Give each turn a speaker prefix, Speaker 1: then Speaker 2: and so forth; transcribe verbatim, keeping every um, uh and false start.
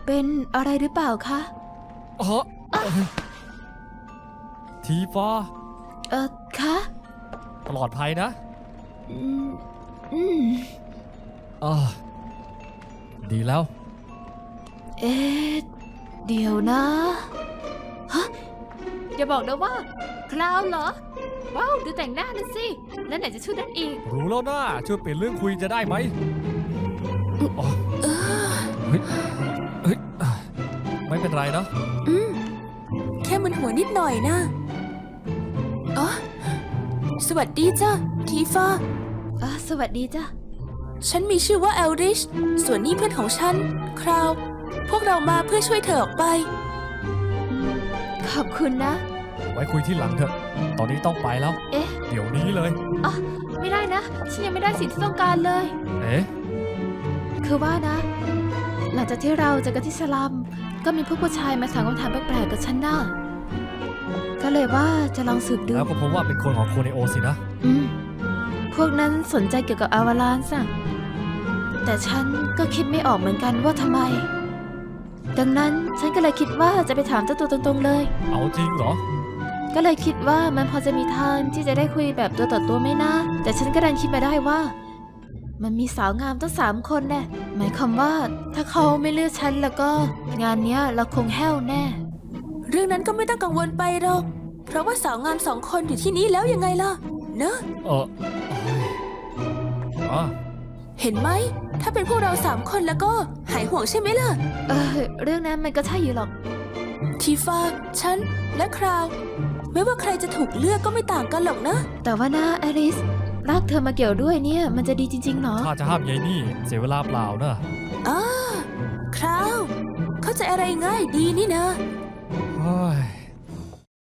Speaker 1: เป็นอะไรหรือเปล่าคะ
Speaker 2: อ๋อทีฟ้า
Speaker 1: เออคะ
Speaker 2: ปลอดภัยนะ
Speaker 1: อืมอืม
Speaker 2: อ่าดีแล้ว
Speaker 1: เอ๊ะเดี๋ยวนะฮะอย่าบอกนะว่าคลาวเหรอว้าวดูแต่งหน้านั่นสิแล้วไหนจะชุดนั้นอีก
Speaker 2: รู้แล้วนะช่วยเปลี่ยนเรื่องคุยจะได้ไหมอ๋อเฮ้ยเฮ้ยไม่เป็นไรนะ
Speaker 3: อืมแค่มึนหัวนิดหน่อยนะอ๋อสวัสดีจ้ะทีฟ้า
Speaker 1: อ่ะสวัสดีจ้ะ
Speaker 3: ฉันมีชื่อว่าเอลริชส่วนนี่เพื่อนของฉันคราวพวกเรามาเพื่อช่วยเธอออกไป
Speaker 1: ขอบคุณนะ
Speaker 2: ไว้คุยที่หลังเถอะตอนนี้ต้องไปแล้ว
Speaker 1: เอ๊ะ
Speaker 2: เดี๋ยวนี้เลย
Speaker 1: อ่ะไม่ได้นะฉันยังไม่ได้สิ่งที่ต้องการเลย
Speaker 2: เอ๊ะ
Speaker 1: คือว่านะหลังจากที่เราเจอกันที่สลัมก็มีพวกผู้ชายมาถามคำถามแปลกๆกับฉันน่ะก็เลยว่าจะลองสืบดู
Speaker 2: แล้วก็พบว่าเป็นคนของโคเนโอสินะ
Speaker 1: อืมพวกนั้นสนใจเกี่ยวกับอาวาลานซ์อะแต่ฉันก็คิดไม่ออกเหมือนกันว่าทำไมดังนั้นฉันก็เลยคิดว่าจะไปถามเจ้าตัวตรงๆเลย
Speaker 2: เอาจริงเหรอ
Speaker 1: ก็เลยคิดว่ามันพอจะมีทางที่จะได้คุยแบบตัวต่อตัวไม่นะแต่ฉันก็ดันคิดมาได้ว่ามันมีสาวงามตั้งสามคนแน่หมายความว่าถ้าเขาไม่เลือกฉันแล้วก็งานเนี้ยเราคงแห้วแน่
Speaker 3: เรื่องนั้นก็ไม่ต้องกังวลไปหรอกเพราะว่าสาวงามสองคนอยู่ที่นี้แล้วยังไงล่ะเนอะ
Speaker 2: เอออ๋อ
Speaker 3: เห็นไหมถ้าเป็นพวกเราสามคนแล้วก็หายห่วงใช่ไหมล่ะ
Speaker 1: เออเรื่องนั้นมันก็ใช่อยู่หรอก
Speaker 3: ทีฟ้าฉันและคราวไม่ว่าใครจะถูกเลือกก็ไม่ต่างกันหรอกนะ
Speaker 1: แต่ว่านะแอลิสรักเธอมาเกี่ยวด้วยเนี่ยมันจะดีจริงๆหรอ
Speaker 2: ถ้าจะห้ามยายนี่เสียเวลาเปล่านะ
Speaker 3: อ้าคราวเข้าใจอะไรง่ายดีนี่นะ